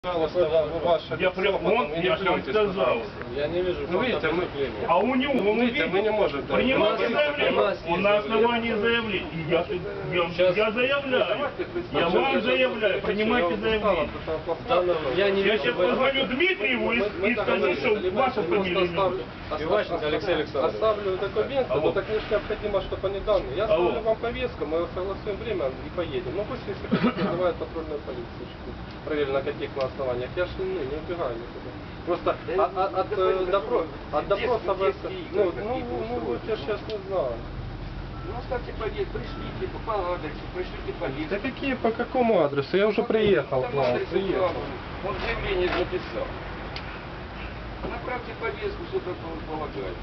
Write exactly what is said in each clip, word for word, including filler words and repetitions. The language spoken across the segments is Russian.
Ваше я прям, он, я же вам сказал. Я не вижу. Ну, видите, мы, а у него, ну, он видите, мы не можем. Принимайте заявление. Он на основании заявления. Я, я, я, я заявляю. Я вам заявляю. Принимайте заявление. Я, не я сейчас позвоню Дмитриеву и, и скажу, что ваша фамилия. Иващенко Алексей Александрович. Оставлю документы, но так необходимо, чтобы они данные. Я оставлю вам повестку, мы согласуем время и поедем. Ну пусть, если хотите, вызывают патрульную полицию. Проверили, на каких на основаниях. Я же не, не убегаю никуда. Просто да, от, от, от, э, допро, от допроса вы... Ну, ну, ну, вот я сейчас не знаю. Ну, оставьте повестку, пришлите по адресу, пришлите повестку. Да какие, по какому адресу? Я уже приехал к вам. Приехал. Он заявление написал. Направьте повестку, что такое он полагает.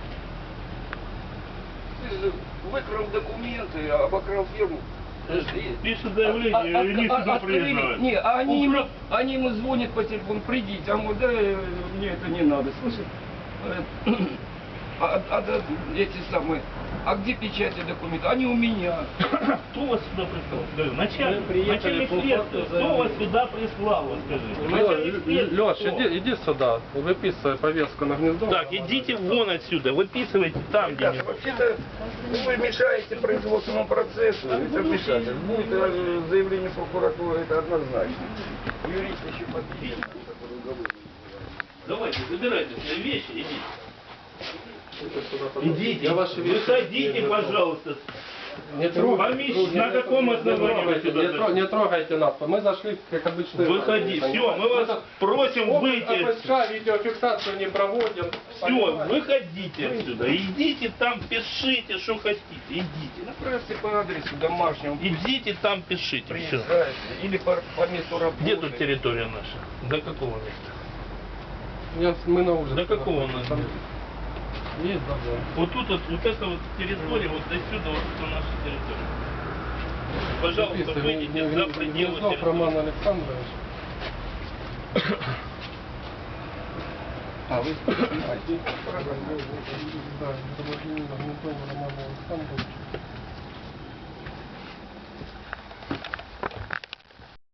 Ты же выкрал документы, обокрал фирму. Пишет заявление, а, и они а, сюда а, приезжают. Не, а они, ему, они ему звонят по телефону, придите, а ему, да, мне это не надо, слышишь? А, а, а эти самые, а где печати документов? Они у меня. Кто вас сюда прислал? Начальник, начальник следствия, кто вас сюда прислал, вот скажите? Леш, иди, иди сюда, выписывай повестку на гнездо. Так, идите вон отсюда, выписывайте там, где... Вообще-то вы мешаете производственному процессу, это вмешательство. Будет заявление прокуратуры, это однозначно. Юрист еще подпишет. Давайте, забирайте свои вещи, идите. Идите, Я ваши вещи выходите, пожалуйста. Не трогайте. На каком основании вы сюда не, зашли? не трогайте нас, мы зашли как обычно. Выходи, все, мы вас просим выйти. АПСК, видеофиксацию не проводим. Все, выходите отсюда, идите там, пишите, что хотите, идите. Направьте по адресу домашнему. Идите там, пишите, все. Приезжайте. Или по, по месту работы. Где тут территория наша? До какого места? Я, мы на улице. До какого у нас? Там есть, да, да. Вот тут вот, вот эта вот территория, вот до сюда вот это наша территория. Пожалуйста, выйдите за пределы территории. Роман Александрович. А, вы Да, Роман Александрович.